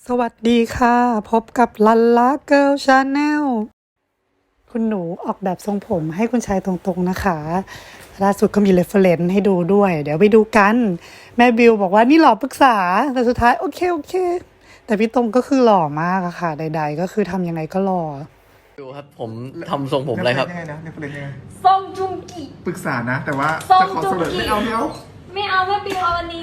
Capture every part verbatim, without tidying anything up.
สวัสดีค่ะพบกับลันล่าเกิร์ลชาแนลคุณหนูออกแบบทรงผมให้คุณชายตรงๆนะคะล่าสุดก็มีเรฟเฟรนซ์ให้ดูด้วย เดี๋ยวไปดูกันแม่บิวบอกว่านี่หล่อปรึกษาแต่สุดท้ายโอเคโอเคแต่พี่ตรงก็คือหล่อมากอะค่ะใดๆก็คือทำยังไงก็หล่อดูครับผมทำทรงผมอะไรครับยังไงนะเนฟเฟรนยังไงซงจุงกิปรึกษานะ แต่ว่าซงจะขอจุเสงนอกิไม่เอาไม่เอาไม่เอาแม่บิวเอาอันนี้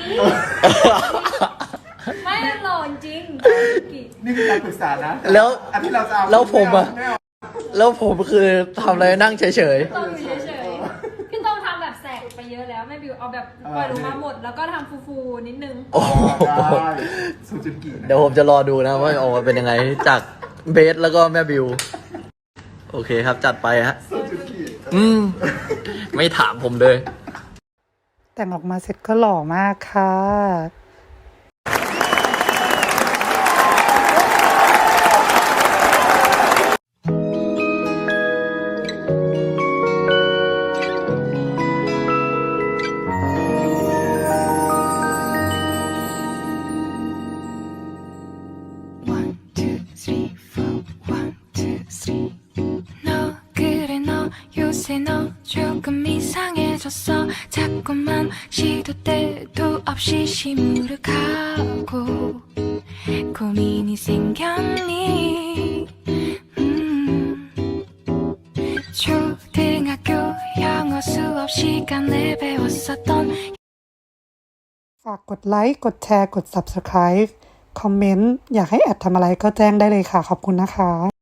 ไม่หล่อจริงกินี่คือการปรึกษานะแล้วอันที่เราจะเอาแล้วผมอะไเาแล้วผมคือทำอะไรนั่งเฉยต้องอยู่เฉยๆพี่ต้องทำแบบแสกไปเยอะแล้วแม่บิวเอาแบบปล่อยลงมาหมด แล้วก็ทำฟูๆนิดนึงๆโอ้โหได้ซูจิกินะเดี๋ยวผมจะรอดูนะว่าออกมาเป็นยังไงจากเบสแล้วก็แม่บิว โอเคครับจัดไปฮะซูจิกิอืม ไม่ถามผมเลยแต่งออกมาเสร็จก็หล่อมากค่ะฝากกดไลค์กดแชร์กด ซับสไครบ์ คอมเมนต์อยากให้แอดทำอะไรก็แจ้งได้เลยค่ะขอบคุณนะคะ